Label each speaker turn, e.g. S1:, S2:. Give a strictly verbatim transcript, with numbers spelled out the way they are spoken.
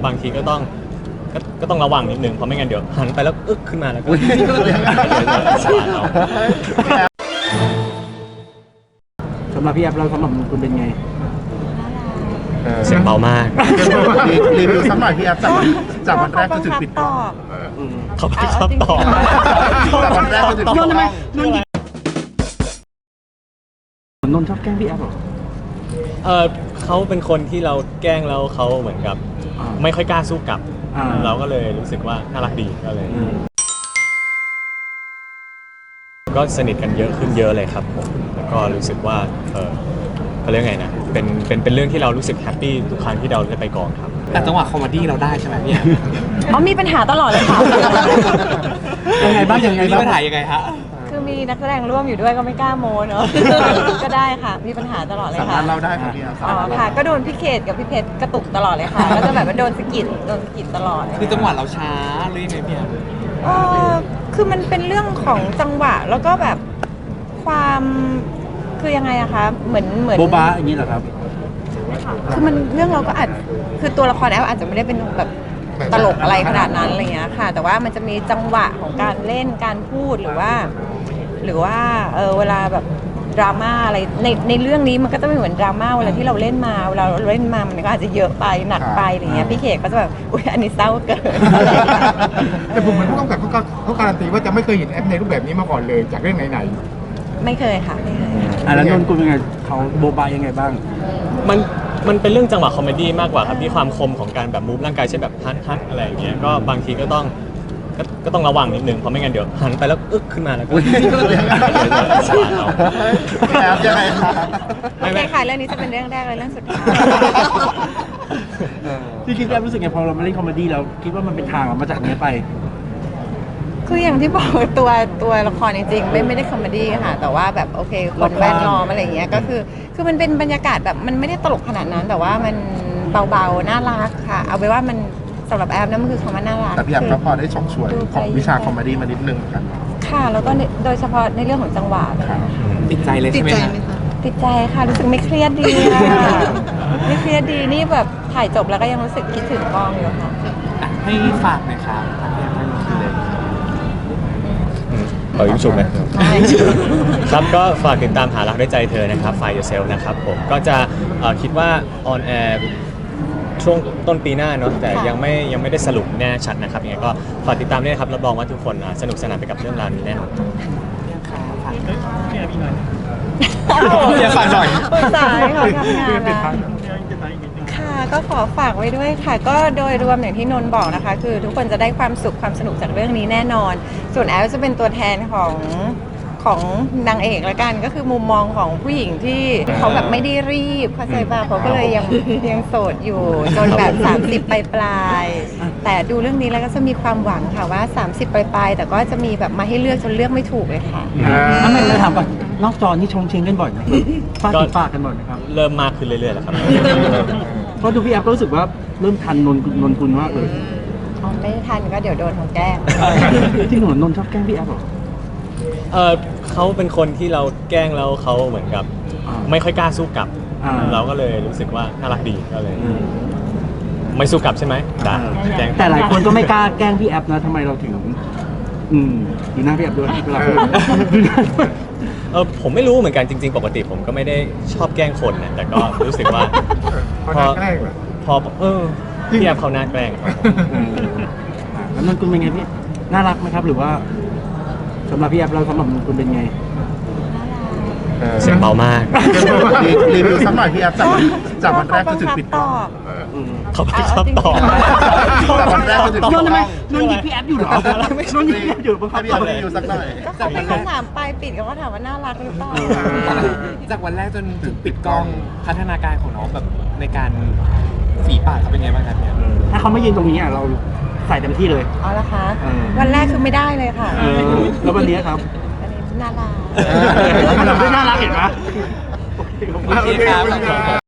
S1: บางทีก็ต้องก็ก็ต้องระวังนิดนึงเพราะไม่งั้นเดี๋ยวหันไปแล้วอึ๊กขึ้นมาแล้วก็
S2: สำหรับพี่แอฟเราสำหรับคุณเป็นไง
S1: เสียงเบามาก
S3: รีวิวสักหน่อยพี่แอฟจากจากวันแรกจนถึงปิดกล้อง
S1: เขาไม่ชอบตอบ
S3: จากวันแรกจนถึงปิดกล้อง
S2: นนท์ชอบแกล้งพี่แอฟหรอ
S1: เออเขาเป็นคนที่เราแกล้งแล้วเขาเหมือนกับไม่ค่อยกล้าสู้กลับเราก็เลยรู้สึกว่าน่ารักดีก็เลยก็สนิทกันเยอะขึ้นเยอะเลยครับผมแล้วก็รู้สึกว่าเออเขาเรียกไงนะเป็นเป็นเป็นเรื่องที่เรารู้สึกแฮปปี้ทุกครั้งที่เราได้ไปกองครับ
S4: แต่จังหวะคอมเมดี้เราได้ใช่ไหมพี่
S5: อ๋อมีปัญหาตลอดเลยค่ะ
S2: ยังไงบ้างยังไงบ้าง
S4: มีปัญหายังไงฮะ
S5: คือมีนักแสดงร่วมอยู่ด้วยก็ไม่กล้าโม้เนาะก็ได้ค่ะมีปัญหาตลอดเลยค่ะ
S3: สามารถเราได้ค่ะพี่
S5: อ๋อค่ะก็โดนพี่เขตกับพี่เพชรกระตุกตลอดเลยค่ะก็จะแบบว่าโดนสะกิดโดนสะกิดตลอด
S4: คือจังหวะเราช้าหรือยังไงพี่
S5: เออคือมันเป็นเรื่องของจังหวะแล้วก็แบบความคือยังไงอะคะเหมือนเหมือน
S2: โบ๊ะบ้าอย่างนี้เหรอครับ
S5: คือมันเรื่องเราก็อาจคือตัวละครแอลอาจจะไม่ได้เป็นแบบตลกอะไรขนาดนั้นอะไรเงี้ยค่ะแต่ว่ามันจะมีจังหวะของการเล่นการพูดหรือว่าหรือว่าเออเวลาแบบดราม่าอะไรในในเรื่องนี้มันก็จะไม่เหมือนดราม่าเวลาที่เราเล่นมาเวลาเราเล่นมามันก็อาจจะเยอะไปหนักไปอะไรเงี้ยพี่เขกก็จะแบบอุ๊ยอันนี้เศร้าเกิน
S3: แต่ผมเหมือนผู้กำกับเขาเขาการันตีว่าจะไม่เคยเห็นแอปในรูปแบบนี้มาก่อนเลยจากเรื่องไหน
S5: ๆไม่เคยค่ะไม่เคย
S2: อ่ะแล้วนนท์คุณเป็นไงเขาโบบายยังไงบ้าง
S1: มันมันเป็นเรื่องจังหวะคอมเมดี้มากกว่าครับที่ความคมของการแบบมูฟร่างกายใช่แบบฮัทฮัทอะไรอย่างเงี้ยก็บางทีก็ต้องก็ก็ต้องระวังนิดนึงเพราะไม่งั้นเดี๋ยวหันไปแล้วอึ๊กขึ้นมาแล้วก็
S3: ยังไงคะ
S5: โอเคค่ะเรื่องนี้จะเป็นเรื่องแรกเลยเรื่องสุดท้าย
S2: พี่คิดแอฟรู้สึกไงพอเรามาเล่นคอมเมดี้เราคิดว่ามันเป็นทางมาจากนี้ไป
S5: คืออย่างที่บอกตัวตัวละครจริงๆไม่ไม่ได้คอมเมดี้ค่ะแต่ว่าแบบโอเคคนแวดล้อมอะไรอย่างเงี้ยก็คือคือมันเป็นบรรยากาศแบบมันไม่ได้ตลกขนาดนั้นแต่ว่ามันเบาๆน่ารักค่ะเอาไปว่ามันสำหรับแอฟนั่นมันคือคำว่าน่ารัก
S3: แต่พี่แอฟก็พอได้ชมชวนของวิชาคอมเมดี้มานิดนึงกัน
S5: ค่ะแล้วก็โดยเฉพาะในเรื่องของจังหวะ
S4: ติดใจเลยใช่ไหมคะ
S5: ติดใจค่ะรู้สึกไม่เครียดดีไม่เครียดดีนี่แบบถ่ายจบแล้วก็ยังรู้สึกคิดถึงกองอยู่ค่ะ
S4: ให้ฝากหน่อยครับ
S1: ขอยุ่งฉุกนะ ครับก็ฝากติดตามหารักด้วยใจเธอนะครับ Find Yourself นะครับผมก็จะคิดว่าออนแอร์ช่วงต้นปีหน้าเนาะแต่ยังไม่ยังไม่ได้สรุปแน่ชัดนะครับยังไงก็ฝากติดตามด้วยนะครับรับรองว่าทุกคนสนุกสนานไปกับเรื่องราวนี้แน่นอน
S4: อย่าฝากหน่อย
S5: สายเขาทำงานแล้วค่ะก็ขอฝากไว้ด้วยค่ะก็โดยรวมอย่างที่นนท์บอกนะคะคือทุกคนจะได้ความสุขความสนุกจากเรื่องนี้แน่นอนส่วนแอลจะเป็นตัวแทนของของนางเอกละกันก็คือมุมมองของผู้หญิงที่เขาแบบไม่ได้รีบเข้าใจป่ะเขาก็เลยยังยังโสดอยู่จนแบบสามสิบปลายปลายแต่ดูเรื่องนี้แล้วก็จะมีความหวังค่ะว่าสามสิบปลายปลายแต่ก็จะมีแบบมาให้เลือกจนเลือกไม่ถูกเลยค่ะ
S2: ทำไมเราถามก่อนนอกจอนี่ชงเชงกันบ่อยไหมฟาดติดฟาดกันบ่อยไหมครับ
S1: เริ่มมากขึ้นเรื่อยๆแล้วครับ
S2: เพราะดูพี่แอฟก็รู้สึกว่าเริ่มทันนนนนคุณมากเลย
S5: อ๋อไม่ทันก็เดี๋ยวโดนเขาแกล้ง
S2: ที่หนูนนชอบแกล้งพี่แอฟหรอ
S1: เออเขาเป็นคนที่เราแกล้งแล้วเขาเหมือนกับไม่ค่อยกล้าสู้กลับเราก็เลยรู้สึกว่าน่ารักดีก็เลยไม่สู้กลับใช่ไหมได้
S2: แต่หลายคนก็ไม่กล้าแกล้งพี่แอฟนะทำไมเราถึงอืมดูหน้าพี่แอฟด้วยเวลา
S1: เออผมไม่รู้เหมือนกันจริงๆปกติผมก็ไม่ได้ชอบแกล้งคนนะแต่ก็รู้สึกว่า
S3: พอแกล้งเหรอ
S1: พอเออพี่แอฟเขาน่าแกล้ง
S2: แล้วนนคุณเป็นไงพี่น่ารักไหมครับหรือว่าสำหรับพี่แอฟเราสำหรับคุณเป็นไง
S1: เสียงเบามาก
S3: รีวิวสักหน่อยพี่แอฟจากจากวันแรกจนถึงปิดกล้อง
S1: เขาไม่ชอบตอบ
S3: จากวันแรกจนถึง
S2: นนท์ทำไมนนท์หยิบพี่แอฟอยู่หรอนนท์หยิบพี่แอฟอยู่
S3: บังคับพี่แอฟรีวิวสักหน่อย
S5: ก็เขาเป็นคำถามปลายปิดก็ว่าถามว่าน่ารักหรือเปล่า
S4: จากวันแรกจนถึงปิดกล้องพัฒนาการของน้องแบบในการฝีปากเขาเป็นไงบ้างครับเนี่ย
S2: ถ้าเขาไม่ยืนตรงนี้อ่ะเราใส่เต็มที่เลย
S5: อ๋อละคะวันแรกคือไม่ได้เลยค่ะ
S2: แล้ววันนี้ครับ
S5: วันนี้น่ารัก
S2: เราไม่น่ารักเห็นไหม
S4: โอเคครับ